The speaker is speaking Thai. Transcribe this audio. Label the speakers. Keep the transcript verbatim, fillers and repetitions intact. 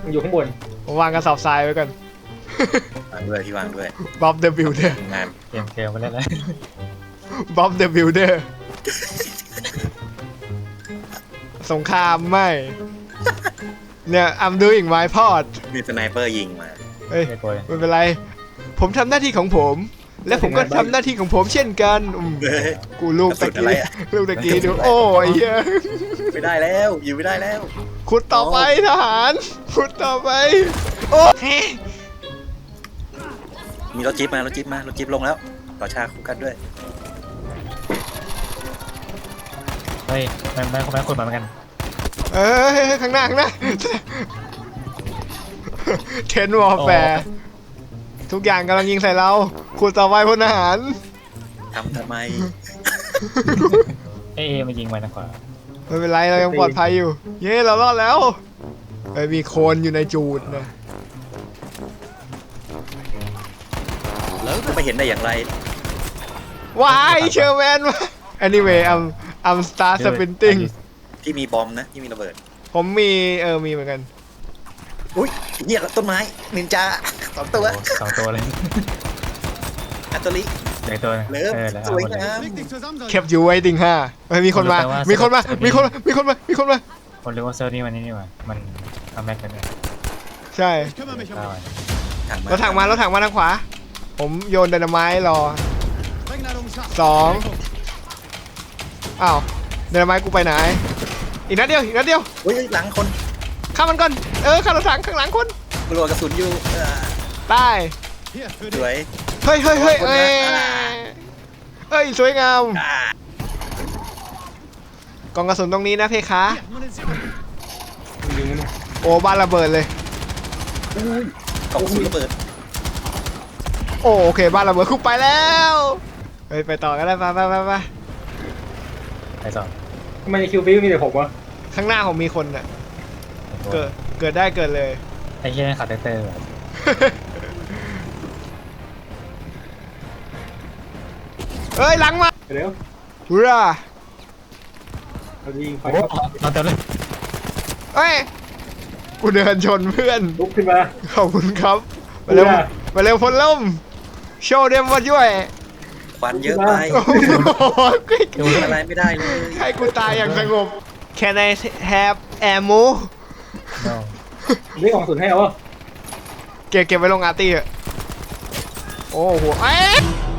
Speaker 1: มันอยู่ข้างบน
Speaker 2: ผมวางกระสอบทรายไว้ก่อน
Speaker 3: วางด้วยพี่วางด้วย
Speaker 2: บ๊อบเดอะบิลเดอร์
Speaker 3: งาน
Speaker 4: เกมเกมไปเล่นเลย
Speaker 2: บ๊อบเดอะบิลเดอร์สงครามไม่เนี่ย I'm doing my part
Speaker 3: มีสไนเปอร์ยิงมา
Speaker 2: เฮ้ย
Speaker 4: ไม่กลัวเลย
Speaker 2: ไม่เป็นไร ผมทำหน้าที่ของผม และผมก็ทำหน้าที่ของผมเช่นกันอืม
Speaker 3: เฮ้ย
Speaker 2: กูลูกตะ
Speaker 3: กระสุนอะไร
Speaker 2: กี้
Speaker 3: อะ
Speaker 2: ลูกตะกี้ดูโอ้ยเหี้ย
Speaker 3: ไม่ได้แล้วอยู่ไม่ได้แล้ว
Speaker 2: ขุดต่อไปทหารขุดต่อไปโอ้
Speaker 3: มีรถจิ๊บมารถจิ๊บมารถจิ๊บลงแล้วต่อชาคู่กันด้วย
Speaker 4: เฮ้ยไม่ไม่ไม่คนมาเหมือนกัน
Speaker 2: เอ้ยข้างหน้าข้างหน้าเทนวอลแฟร์ทุกอย่างกำลังยิงใส่เราขุดต่อไปพลทหาร
Speaker 3: ทำทำไม
Speaker 4: เอเอมายิงไปนะขวา
Speaker 2: ไม่เป็นไรเรายังปลอดภัยอยู่ เย้เรารอดแล้วไอ้ยมีโคลนอยู่ในจูดนะ
Speaker 3: แล้วจะไปเห็นได้อย่างไร
Speaker 2: ว้ายเชอร์แมนมา anyway I'm I'm start sprinting
Speaker 3: ที่มีบอมนะที่มีระเบิด
Speaker 2: ผมมีเออมีเหมือนกัน
Speaker 3: อุ้ยเนี่ยต้นไม้นินจาสองตัว
Speaker 4: โอ้สองตัวเลย
Speaker 3: อัตโตริ
Speaker 4: เหลือตัวนึง
Speaker 3: เลิฟ
Speaker 4: เออเหลือ
Speaker 3: ส
Speaker 4: เอา
Speaker 3: วย
Speaker 4: หมดเลย
Speaker 3: งาม
Speaker 2: เก็บอยู่ไว้ติงห้าเฮ้ยมีคนมา
Speaker 4: ผมรู้แต่ว่า
Speaker 2: มีคนมา
Speaker 4: สนุก
Speaker 2: มีคนมา มีคนมา มีคนมา
Speaker 4: คนรู้ว่าเซอร์นี่มันนี่นี่หว่ามันทำแม็กกันเนี่ย
Speaker 2: ใช่
Speaker 4: ได้
Speaker 3: ถังมาร
Speaker 2: ถถังมารถถังมาทางขวา ผมโยนไดนาไมต์รอสองอ้าวไดนาไมต์กูไปไหน อีกนัดเดียว อีกนัดเดียว
Speaker 3: อุ้ยหลังคน
Speaker 2: ฆ่ามันก่อน เออฆ่ารถถังข้างหลังคน
Speaker 3: กลัวกระสุนอยู่เออ
Speaker 2: ตาย
Speaker 3: สวย
Speaker 2: เฮ้ยเฮ้ยเฮ้ยเอ้ย
Speaker 3: อ่า
Speaker 2: เฮ้ย สวยงาม
Speaker 3: อ่าก
Speaker 2: ล่องกระสุนตรงนี้นะเพคะ
Speaker 1: มันยิงมันเนี่ย
Speaker 2: โอ้บ้านระเบิดเลย
Speaker 3: อุ้ยกล่องกระสุนระเบิด
Speaker 2: โอ้โอเคบ้านระเบิดคุกไปแล้วเฮ้ยไปต่อกันได้ไปไปไปไป
Speaker 4: ไปสอง
Speaker 1: ทำไมในคิวฟิวมีแต่ผมวะ
Speaker 2: ข้างหน้าผมมีคนน่ะ เกิด เกิดได้เกิดเลย
Speaker 4: ไอ้เหี้ยนี่ขับเตอร์เตอร์แบบ
Speaker 2: เฮ้ยหลังมา
Speaker 1: เดี๋ยว
Speaker 2: ฮูร่า
Speaker 1: เราจะยิงไฟ
Speaker 4: โอ้
Speaker 1: เข้า
Speaker 4: เราเต็มเลย
Speaker 2: เฮ้ย กูเดินชนเพื่อน
Speaker 1: ลุกขึ้นมา
Speaker 2: ขอบคุณครับ มาเร็ว
Speaker 1: ฮูร่า
Speaker 2: มาเร็วพลล่มโชว์เดมมาช่วย
Speaker 3: ควันเยอะไป
Speaker 2: โอ้โห
Speaker 3: ดูอะไรไม่ได้เลย
Speaker 2: ให้กูตายอย่างสงบ Can I have ammo
Speaker 4: โน่
Speaker 1: เรียกของสุนให้เอาวะ
Speaker 2: เก็บเก็บไว้ลงอาร์ตี้เถอะโอ้โหเอ๊ะ